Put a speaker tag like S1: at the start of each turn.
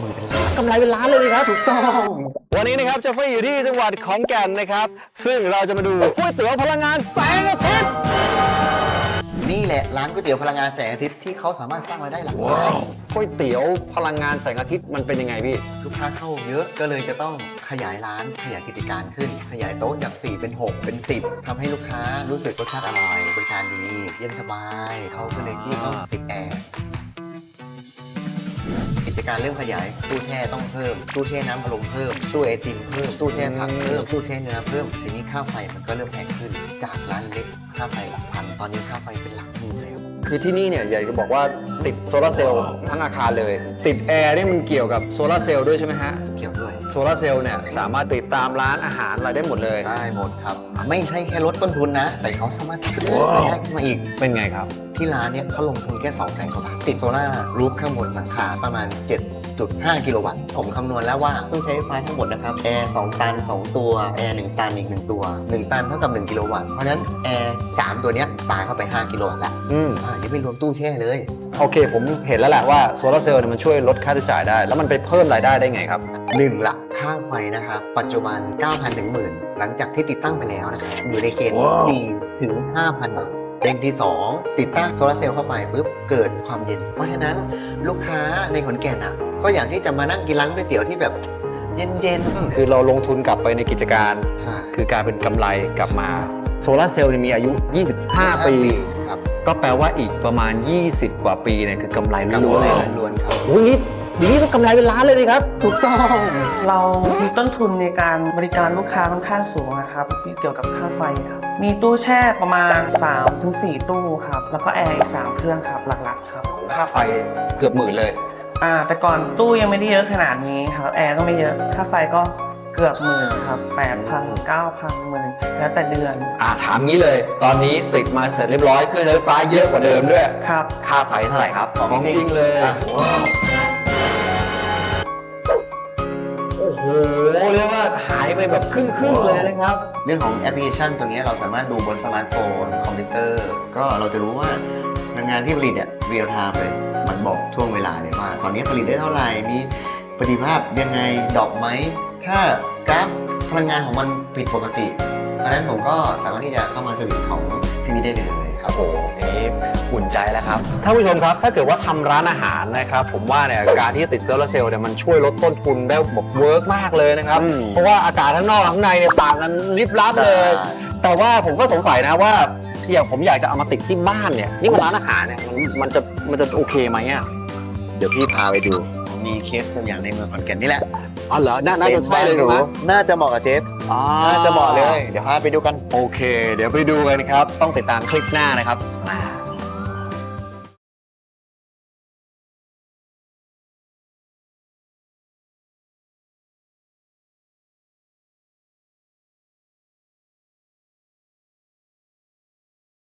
S1: หมื่นเป็นล้าน
S2: กำไรเป็นล้านเลยครับ
S1: ถูกต้อง
S2: วันนี้นะครับเจะไฟอยู่ที่จังหวัดขอนแก่นนะครับซึ่งเราจะมาดูก๋วยเตี๋ยวพลังงานแสงอาทิตย์
S1: นี่แหละร้านก๋วยเตี๋ยวพลังงานแสงอาทิตย์ที่เขาสามารถสร้างรายได้หลักล้าน
S2: ก๋วยเตี๋ยวพลังงานแสงอาทิตย์มันเป็นยังไงพี่
S1: ลูกค้าเข้าเยอะก็เลยจะต้องขยายร้านขยายกิจการขึ้น ขยายโต๊ะจาก4เป็น6เป็น10ทำให้ลูกค้ารู้สึกรสชาติอร่อยบริการดีเย็นสบายเขาก็เลยที่ต้องติดแอร์กิจการเริ่มขยายตู้แช่ต้องเพิ่มตู้แช่น้ำอารมณ์เพิ่มตู้ไอติมเพิ่มตู้แช่ผักเพิ่มตู้แช่เนื้อเพิ่มทีนี้ค่าไฟมันก็เริ่มแพงขึ้นจากร้านเล็กค่าไฟหลักพันตอนนี้ค่าไฟเป็นหลักหมื่นเลยครับ
S2: คือที่นี่เนี่ยอยากจะบอกว่าติดโซลาร์เซลล์ทั้งอาคารเลย ติดแอร์นี่มันเกี่ยวกับโซลาร์เซลล์ด้วยใช่ไหมฮะ
S1: เกี่ยวด้วย
S2: โซลาร์เซลล์เนี่ยสามารถติดตามร้านอาหารอะไรได้หมดเลย
S1: ได้หมดครับไม่ใช่แค่ลดต้นทุนนะแต่เขาสามารถเพิ่มรายได้ขึ้นมาอีก
S2: เป็นไงครับ
S1: ที่ร้านเนี่ยเขาลงทุนแค่200,000 กว่าบาทติดโซล่าร์รูฟข้างบนหลังคาประมาณ 7.5 กิโลวัตต์ผมคำนวณแล้วว่าต้องใช้ไฟฟ้าทั้งหมดนะครับแอร์2ตัน2ตัวแอร์1ตันอีก1ตัว1ตันเท่ากับ1กิโลวัตต์เพราะฉะนั้นแอร์3ตัวเนี้ยปาเข้าไป5กิโลวัตต์ละยังไม่รวมตู้แช่เลย
S2: โอเคผมเห็นแล้วแหละว่าโซลาร์เซลล์เนี่ยมันช่วยลดค่าใช้จ่ายได้ แล้วมันไปเพิ่มรายได้ได้ไงครับ
S1: 1ละค่าไฟนะครับปัจจุบัน 9,000 ถึง 10,000 หลังจากที่ติดตั้งไปแล้วนะครับอยู่ในเกณฑ์ดีถึง 5,000 บาทเด้งที่ 2 ติดตั้งโซลาร์เซลล์เข้าไปปุ๊บเกิดความเย็น เพราะฉะนั้นลูกค้าในขอนแก่นอ่ะก็อยากที่จะมานั่งกินร้านก๋วยเตี๋ยวที่แบบเย็นๆ
S2: คือเราลงทุนกลับไปในกิจการ
S1: ใช่
S2: คือการเป็นกำไรกลับมาโซลาร์เซลล์เนี่ยมีอายุ 25 ปี
S1: ครับ
S2: ก็แปลว่าอีกประมาณ 20 กว่าปีเนี่ยคือกำไรล้วนๆเลย
S1: ล้วนๆครับ
S2: โอ้ยนี่ก็กำไรเป็นล้านเลยนะครับ
S1: ถูกต้อง
S3: เรามีต้นทุนในการบริการลูกค้าค่อนข้างสูงนะครับเกี่ยวกับค่าไฟครับมีตู้แช่ประมาณ 3-4 ตู้ครับแล้วก็แอร์อีก3เครื่องครับหลักๆครับ
S2: ค่าไฟเกือบหมื่นเลย
S3: แต่ก่อนตู้ยังไม่ได้เยอะขนาดนี้ครับแอร์ก็ไม่เยอะค่าไฟก็เกือบหมื่นครับ 8,000 9,000หมื่นแล้วแต่เดือน
S2: ถามงี้เลย ตอนนี้ติดมาเสร็จเรียบร้อยเครื่องใช้ไฟฟ้าเยอะกว่าเดิมด้วย
S3: ครับ
S2: ค่าไฟเท่าไหร่ครับ
S1: ของจริง
S2: เลย
S1: อ่ะ
S2: โอ้โหเรียกว่าหายไปแบบครึ่งเลยนะครับ
S1: เรื่องของแอปพลิเคชันตัวนี้เราสามารถดูบนสมาร์ทโฟนคอมพิวเตอร์ ก็เราจะรู้ว่าพลังงานที่ผลิตเนี่ยเรียลไทม์เลย มันบอกช่วงเวลาเลยว่า ตอนนี้ผลิตได้เท่าไหร่ มีประสิทธิภาพยังไงดรอปไหม ถ้ากราฟพลังงานของมันผิดปกติเพราะฉะนั้นผมก็สามารถที่จะเข้ามาสวิตช์ของพี่วิได้เลยครับ
S2: โอ้โหนี่อุ่นใจแล้วครับท่านผู้ชมครับถ้าเกิดว่าทำร้านอาหารนะครับผมว่าเนี่ยการที่ติดโซลาร์เซลล์เนี่ยมันช่วยลดต้นทุนได้แบบเวิร์กมากเลยนะครับ
S1: อืม
S2: เพราะว่าอากาศข้างนอกข้างในเนี่ยต่างกันลิบลับเลย แต่ว่าผมก็สงสัยนะว่าอย่างผมอยากจะเอามาติดที่บ้านเนี่ยนี่มันร้านอาหารเนี่ยมันจะโอเคไหมอ่ะ
S1: เดี๋ยวพี่พาไปดู มีเคสตัวอย่างในเมืองขอนแก่นนี่แหละ
S2: อ๋อเหรอน่าจะใช่เลยใช่ไหม
S1: น่าจะเหมาะกับเจฟ
S2: อ๋อ
S1: น่าจะเหมาะเลย เดี๋ยวพาไปดูกัน
S2: โอเค เดี๋ยวไปดูกันครับ ต้องติดตามคลิปหน้านะครับ